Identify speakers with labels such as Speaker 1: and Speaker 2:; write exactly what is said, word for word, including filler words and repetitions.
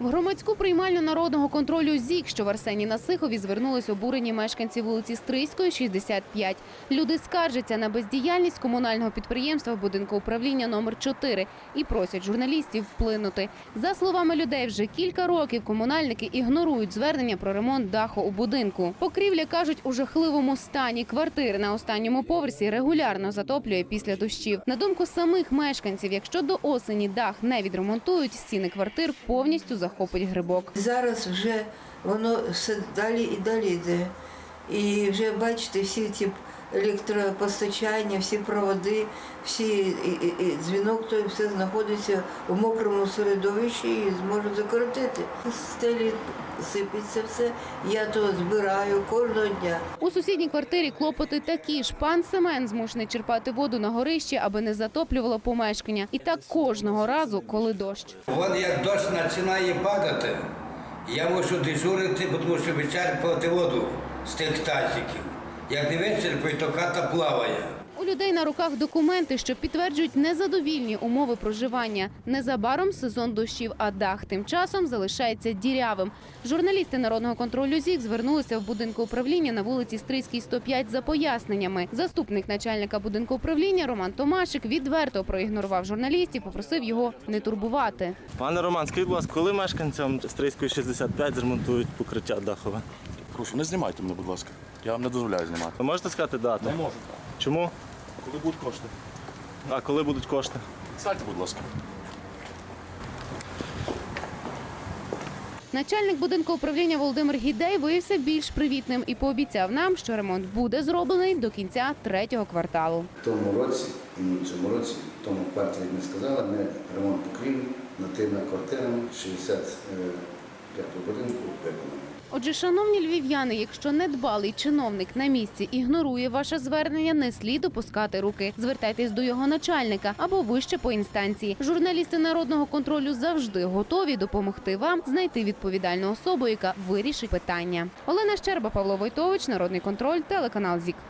Speaker 1: В громадську приймальню народного контролю ЗІК, що в Арсені-на-Сихові, звернулись обурені мешканці вулиці Стрийської, шістдесят п'ять. Люди скаржаться на бездіяльність комунального підприємства будинку управління номер чотири і просять журналістів вплинути. За словами людей, вже кілька років комунальники ігнорують звернення про ремонт даху у будинку. Покрівля, кажуть, у жахливому стані. Квартири на останньому поверсі регулярно затоплює після дощів. На думку самих мешканців, якщо до осені дах не відремонтують, стіни квартир повністю захопить грибок.
Speaker 2: Зараз вже воно все далі і далі йде. І вже бачите, всі ці електропостачання, всі проводи, всі і, і, і дзвінок, то все знаходиться в мокрому середовищі і зможуть закоротити. Стелі сипеться все, я то збираю кожного дня.
Speaker 1: У сусідній квартирі клопоти такі ж. Пан Семен змушений черпати воду на горищі, аби не затоплювало помешкання. І так кожного разу, коли дощ.
Speaker 3: Вон як дощ починає падати, я мушу дежурити, тому що вичерпувати воду з тих тазиків. Як не вичерпаю, то хата плаває.
Speaker 1: У людей на руках документи, що підтверджують незадовільні умови проживання. Незабаром сезон дощів, а дах тим часом залишається дірявим. Журналісти народного контролю ЗІК звернулися в будинку управління на вулиці Стрийській, сто п'ять за поясненнями. Заступник начальника будинку управління Роман Томашик відверто проігнорував журналістів, попросив його не турбувати.
Speaker 4: Пане Роман, скажіть, будь ласка, коли мешканцям Стрийської шістдесят п'ять зремонтують покриття дахове?
Speaker 5: Прошу, не знімайте мене, будь ласка. Я вам не дозволяю знімати.
Speaker 4: Ви можете сказати дату?
Speaker 5: Не можу.
Speaker 4: Чому?
Speaker 5: Коли будуть кошти?
Speaker 4: А коли будуть кошти?
Speaker 5: Сядьте, будь ласка.
Speaker 1: Начальник будинку управління Володимир Гідей виявився більш привітним і пообіцяв нам, що ремонт буде зроблений до кінця третього кварталу.
Speaker 6: В тому році, і в цьому році, в тому кварталі, як ми сказали, ми ремонт покрівлі над тими квартирами шістдесят п'ятого будинку виконали.
Speaker 1: Отже, шановні львів'яни, якщо недбалий чиновник на місці ігнорує ваше звернення, не слід опускати руки. Звертайтесь до його начальника або вище по інстанції. Журналісти народного контролю завжди готові допомогти вам знайти відповідальну особу, яка вирішить питання. Олена Щерба, Павло Войтович, Народний контроль, телеканал ЗІК.